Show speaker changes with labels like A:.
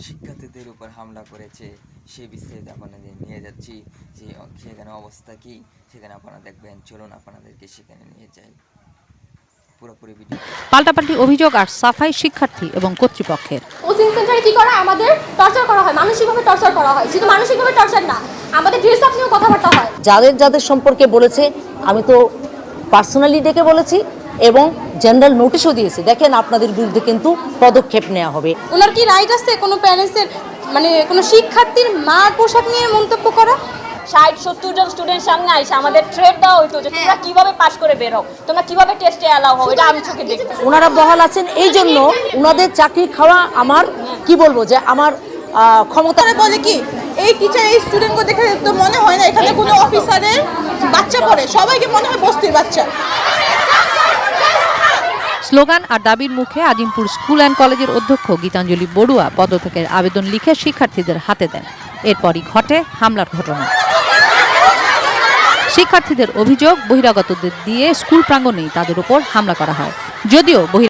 A: শিক্ষার্থীদের উপর হামলা করেছে সে বিস্তারিত আপনাদের নিয়ে যাচ্ছি যে সেখানে অবস্থা কি সেখানে আপনারা দেখবেন। চলুন আপনাদেরকে সেখানে নিয়ে যাই। পুরোপুরি ভিডিও।
B: পাল্টাপাল্টি অভিযোগ আর সাফাই শিক্ষার্থী এবং কর্তৃপক্ষের।
C: কোচিং সেন্টারে কি করা আমাদের টর্চার করা হয়, মানসিকভাবে টর্চার করা হয়। শুধু মানসিকভাবে টর্চার না, আমাদের ড্রেস আপ নিয়েও কথাবার্তা হয়।
D: যাদের যাদের সম্পর্কে বলেছে আমি তো পার্সোনালি ডেকে বলেছি এবং জেনারেল নোটিশও দিয়েছি। দেখেন আপনাদের বিরুদ্ধে কিন্তু পদক্ষেপ নেওয়া হবে।
C: ওনার কি রাইট আছে কোনো প্যারেন্টসের মানে কোনো শিক্ষার্থীর মার পোশাক নিয়ে মন্তব্য করা?
E: 60-70 জন স্টুডেন্ট সামনে আইসা আমাদের থ্রেট দেওয়া হইতো যে তোমরা কিভাবে পাস করে বের হও, তোমরা কিভাবে টেস্টে অ্যালাউ হও, এটা আমি চোখে দেখছি।
D: ওনারা বহাল আছেন এই জন্য ওনাদের চাকরি খাওয়া আমার কি বলবো যে আমার ক্ষমতা
F: বলে কি এই টিচার এই স্টুডেন্টকে দেখে তো মনে হয় না এখানে কোনো অফিসারের বাচ্চা পড়ে, সবাইকে মনে হয় বস্তির বাচ্চা।
B: স্লোগান আর দাবির মুখে আজিমপুর স্কুল অ্যান্ড কলেজের অধ্যক্ষ গীতাঞ্জলি বড়ুয়া পদত্যাগের আবেদন লিখে শিক্ষার্থীদের হাতে দেন। এরপরই ঘটে হামলার ঘটনা। শিক্ষার্থীদের অভিযোগ বহিরাগতদের দিয়ে স্কুল প্রাঙ্গণেই তাদের উপর হামলা করা হয়। যদিও